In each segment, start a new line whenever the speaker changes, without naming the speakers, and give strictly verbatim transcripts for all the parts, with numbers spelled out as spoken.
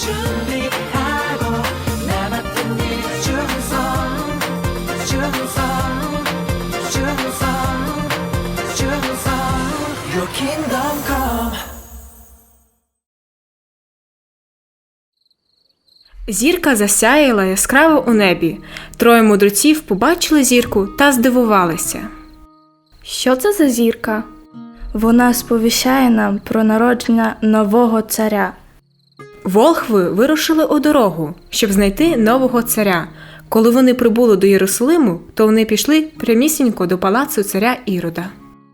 준비하고 나 맡은 일 충성 충성 충성 충성 Your kingdom come.
Зірка засяяла яскраво у небі. Троє мудреців побачили зірку та здивувалися.
Що це за зірка? Вона сповіщає нам про народження нового царя.
Волхви вирушили у дорогу, щоб знайти нового царя. Коли вони прибули до Єрусалиму, то вони пішли прямісінько до палацу царя Ірода.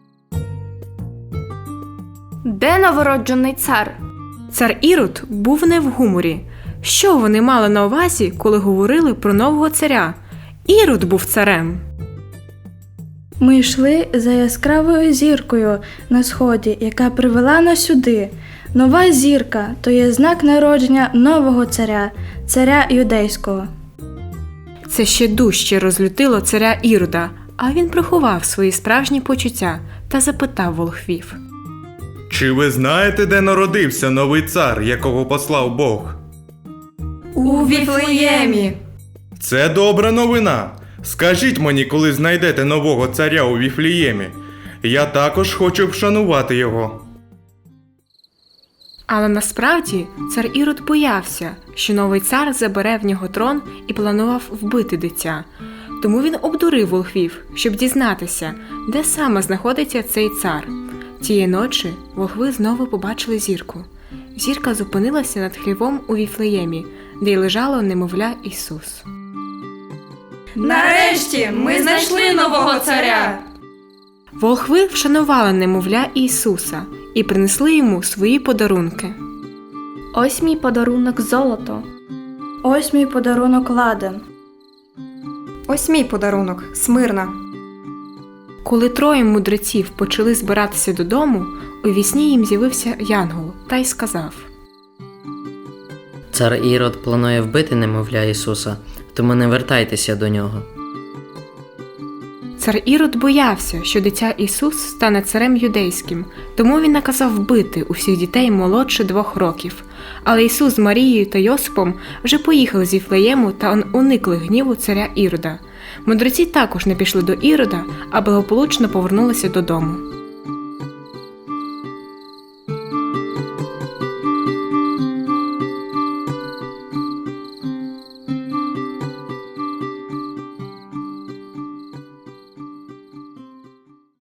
Де новороджений цар?
Цар Ірод був не в гуморі. Що вони мали на увазі, коли говорили про нового царя? Ірод був царем.
Ми йшли за яскравою зіркою на сході, яка привела нас сюди. Нова зірка – то є знак народження нового царя, царя юдейського.
Це ще дужче розлютило царя Ірода, а він приховав свої справжні почуття та запитав волхвів.
Чи ви знаєте, де народився новий цар, якого послав Бог?
У Віфлеємі.
Це добра новина. Скажіть мені, коли знайдете нового царя у Віфлеємі. Я також хочу вшанувати його.
Але насправді цар Ірод боявся, що новий цар забере в нього трон і планував вбити дитя. Тому він обдурив волхвів, щоб дізнатися, де саме знаходиться цей цар. Тієї ночі волхви знову побачили зірку. Зірка зупинилася над хлівом у Віфлеємі, де й лежало немовля Ісус.
Нарешті ми знайшли нового царя.
Волхви вшанували немовля Ісуса і принесли йому свої подарунки.
Ось мій подарунок золото. Ось мій подарунок ладан.
Ось мій подарунок Смирна.
Коли троє мудреців почали збиратися додому, у вісні їм з'явився янгол та й сказав:
Цар Ірод планує вбити немовля Ісуса, тому не вертайтеся до нього.
Цар Ірод боявся, що дитя Ісус стане царем юдейським, тому він наказав вбити усіх дітей молодше двох років. Але Ісус з Марією та Йосипом вже поїхали з Віфлеєму та уникли гніву царя Ірода. Мудреці також не пішли до Ірода, а благополучно повернулися додому.